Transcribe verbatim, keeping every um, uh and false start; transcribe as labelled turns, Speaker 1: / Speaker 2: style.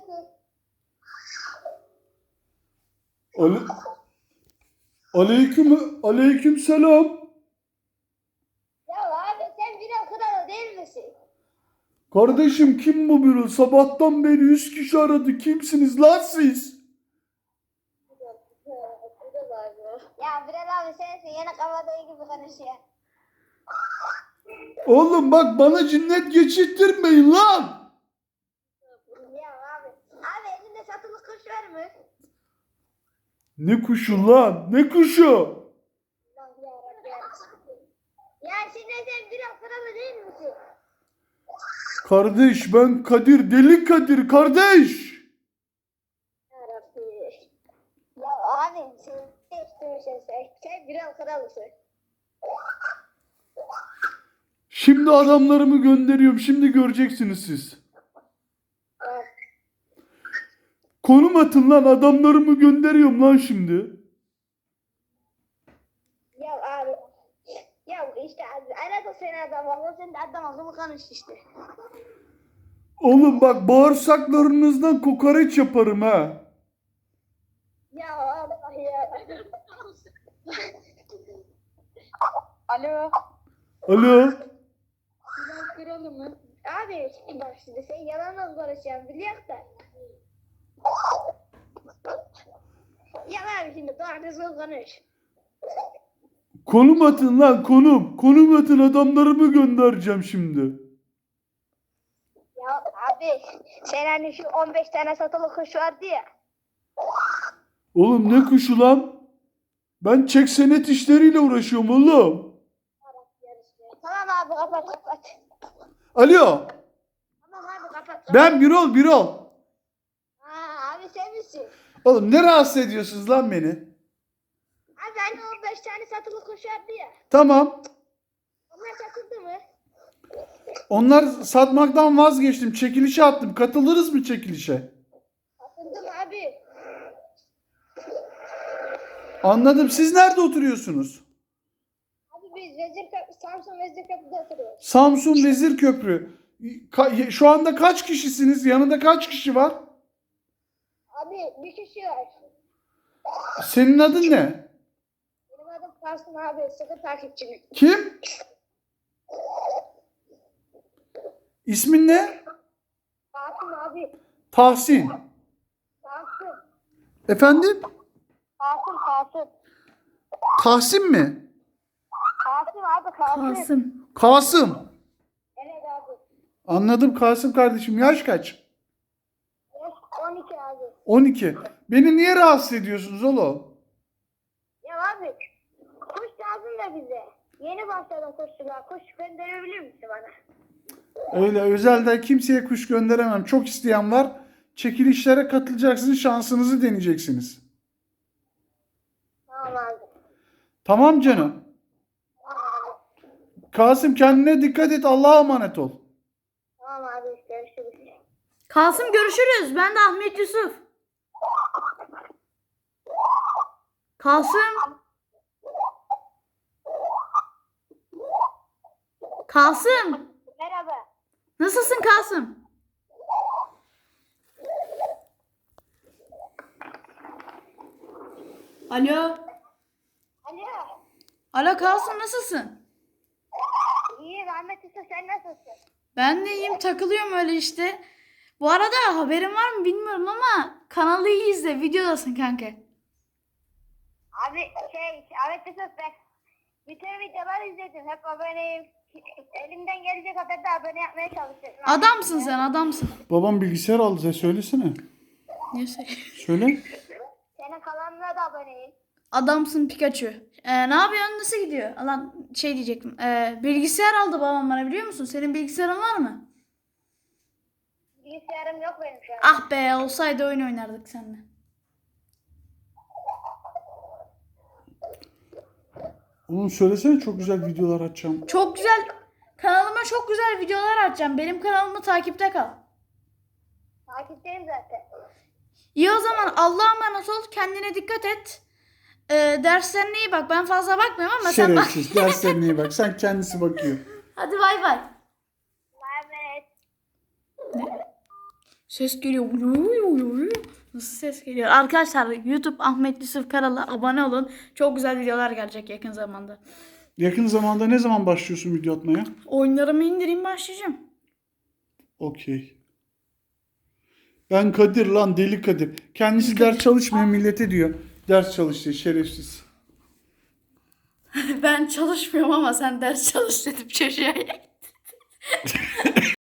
Speaker 1: Ale Aleyküm aleyküm selam.
Speaker 2: Ya abi sen biraz kralı değil misin?
Speaker 1: Kardeşim kim bu biri? Sabahtan beri yüz kişi aradı. Kimsiniz lan siz?
Speaker 2: Ya Bilal abi sensin yine kafada gibi konuşuyor.
Speaker 1: Oğlum bak bana cinnet geçirttirmeyin lan.
Speaker 2: Ya abi. Abi elinde satılık kuş var mı?
Speaker 1: Ne kuşu lan? Ne kuşu?
Speaker 2: Ya şimdi sen biraz kralı değil misin?
Speaker 1: Kardeş ben Kadir, deli Kadir kardeş.
Speaker 2: Yarabbi. Ya abi sen değiştirmişsin sen. Sen biraz kralısın.
Speaker 1: Şimdi adamlarımı gönderiyorum. Şimdi göreceksiniz siz.
Speaker 2: Evet.
Speaker 1: Konum atın lan, adamlarımı gönderiyorum lan şimdi.
Speaker 2: Ya abi. Ya işte abi. Arada seni adam var. Sen de adam akıllı konuş işte.
Speaker 1: Oğlum bak bağırsaklarınızdan kokoreç yaparım ha.
Speaker 2: Ya Allah ya. Alo.
Speaker 1: Alo.
Speaker 2: Bilal kralı mı? Abi bak şimdi sen yalanla konuşuyorsun biliyor da. Ya abi şimdi doğru düzgün konuş.
Speaker 1: Konum atın lan, konum. Konum atın, adamlarımı göndereceğim şimdi.
Speaker 2: Ya abi sen hani şu on beş tane satılı kuş vardı ya.
Speaker 1: Oğlum ne kuşu lan? Ben çek senet işleriyle uğraşıyorum oğlum.
Speaker 2: Tamam abi kapat kapat.
Speaker 1: Alo.
Speaker 2: Tamam abi kapat kapat.
Speaker 1: Ben Birol Birol.
Speaker 2: Ha abi sen misin?
Speaker 1: Oğlum ne rahatsız ediyorsunuz lan beni?
Speaker 2: Abi hani on beş tane satılı kuş vardı ya.
Speaker 1: Tamam.
Speaker 2: Onlar satıldı mı?
Speaker 1: Onlar satmaktan vazgeçtim. Çekilişe attım. Katılırız mı çekilişe?
Speaker 2: Satıldı mı abi?
Speaker 1: Anladım. Siz nerede oturuyorsunuz?
Speaker 2: Abi biz Vezirköprü, Samsun Vezirköprü'de oturuyoruz.
Speaker 1: Samsun Vezirköprü. Ka- Şu anda kaç kişisiniz? Yanında kaç kişi var?
Speaker 2: Abi bir kişi var.
Speaker 1: Senin adın ne?
Speaker 2: Benim adım Karsın abi. Sıkı takipçim.
Speaker 1: Kim? İsmin ne?
Speaker 2: Kasım abi.
Speaker 1: Tahsin.
Speaker 2: Kasım.
Speaker 1: Efendim?
Speaker 2: Kasım Kasım.
Speaker 1: Tahsin mi?
Speaker 2: Kasım abi Kasım.
Speaker 3: Kasım.
Speaker 1: Kasım.
Speaker 2: Evet abi.
Speaker 1: Anladım Kasım kardeşim. Yaş kaç?
Speaker 2: Yaş on iki abi.
Speaker 1: on iki. Beni niye rahatsız ediyorsunuz oğlum?
Speaker 2: Ya abi kuş lazım da bize. Yeni başladım kuşçuluğa. Kuş gönderebilir misin bana?
Speaker 1: Öyle özelde kimseye kuş gönderemem. Çok isteyen var. Çekilişlere katılacaksınız. Şansınızı deneyeceksiniz.
Speaker 2: Tamam abi.
Speaker 1: Tamam canım.
Speaker 2: Tamam abi.
Speaker 1: Kasım kendine dikkat et. Allah'a emanet ol.
Speaker 2: Tamam abi görüşürüz.
Speaker 3: Kasım görüşürüz. Ben de Ahmet Yusuf. Kasım. Kasım.
Speaker 2: Merhaba.
Speaker 3: Nasılsın Kasım? Alo.
Speaker 2: Alo.
Speaker 3: Alo Kasım nasılsın?
Speaker 2: İyi Ahmet Usta sen nasılsın?
Speaker 3: Ben de iyiyim, takılıyorum öyle işte. Bu arada haberin var mı bilmiyorum ama kanalı iyi izle, videodasın kanka.
Speaker 2: Abi şey Ahmet Usta ben bütün videoları izledim. Hep aboneyim. Elimden gelecek kadar da abone yapmaya çalışıyorum.
Speaker 3: Adamsın sen, adamsın.
Speaker 1: Babam bilgisayar aldı. Sen söylesene.
Speaker 3: Neyse.
Speaker 1: Söyle.
Speaker 2: Senin kanalına da aboneyim.
Speaker 3: Adamsın Pikachu. Ee, ne yapıyorsun? Nasıl gidiyor? Alan şey diyecektim. Ee, bilgisayar aldı babam bana, biliyor musun? Senin bilgisayarın var mı?
Speaker 2: Bilgisayarım yok benim şu an.
Speaker 3: Ah be, olsaydı oyun oynardık seninle.
Speaker 1: Oğlum söylesene, çok güzel videolar açacağım.
Speaker 3: Çok güzel. Kanalıma çok güzel videolar atacağım. Benim kanalımı takipte kal.
Speaker 2: Takipteyim zaten.
Speaker 3: İyi o zaman, Allah'a emanet ol. Kendine dikkat et. Ee, derslerine iyi bak. Ben fazla bakmıyorum ama sen bak.
Speaker 1: Şerefsiz. Derslerine iyi bak. Sen kendisi bakıyor.
Speaker 3: Hadi bay bay.
Speaker 2: Ahmet.
Speaker 3: Ses geliyor. Nasıl ses geliyor? Arkadaşlar YouTube Ahmet Yusuf Karal'a abone olun. Çok güzel videolar gelecek yakın zamanda.
Speaker 1: Yakın zamanda ne zaman başlıyorsun video atmaya?
Speaker 3: Oyunlarımı indireyim başlayacağım.
Speaker 1: Okey. Ben Kadir lan deli Kadir. Kendisi ders çalışmıyor millete diyor. Ders çalıştı şerefsiz.
Speaker 3: Ben çalışmıyorum ama sen ders çalış dedim çocuğa.